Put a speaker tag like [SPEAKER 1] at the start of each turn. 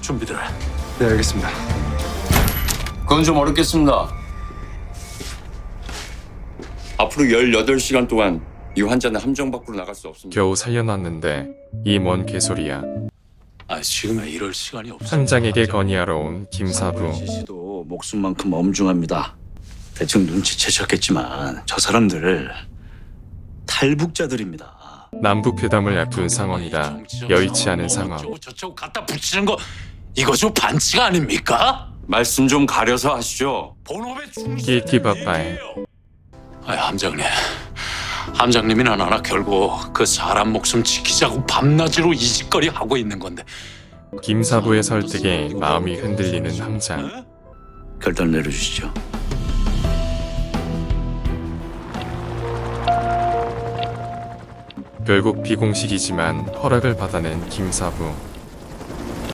[SPEAKER 1] 준비들 해.
[SPEAKER 2] 네, 알겠습니다.
[SPEAKER 3] 그건 좀 어렵겠습니다. 앞으로 18시간 동안 이 환자는 함정 밖으로 나갈 수 없습니다.
[SPEAKER 4] 겨우 살려놨는데 이 뭔 개소리야.
[SPEAKER 1] 아, 지금은 이럴 시간이 없어.
[SPEAKER 4] 함장에게 건의하러 온 김사부.
[SPEAKER 1] 씨도 목숨만큼 엄중합니다. 대충 눈치채셨겠지만 저 사람들 탈북자들입니다.
[SPEAKER 4] 남북회담을 앞둔 상황이라 여의치 않은 상황.
[SPEAKER 1] 저쪽 갖다 붙이는 거 이거 좀 반칙 아닙니까?
[SPEAKER 3] 말씀 좀 가려서 하시죠.
[SPEAKER 1] 본업에 충실해야
[SPEAKER 4] 길티바빠에
[SPEAKER 1] 아, 함장님이나 나나 결국 그 사람 목숨 지키자고 밤낮으로 이짓거리 하고 있는 건데
[SPEAKER 4] 김사부의 설득에 마음이 흔들리는 함장.
[SPEAKER 1] 결단 내려주시죠.
[SPEAKER 4] 결국 비공식이지만 허락을 받아낸 김사부.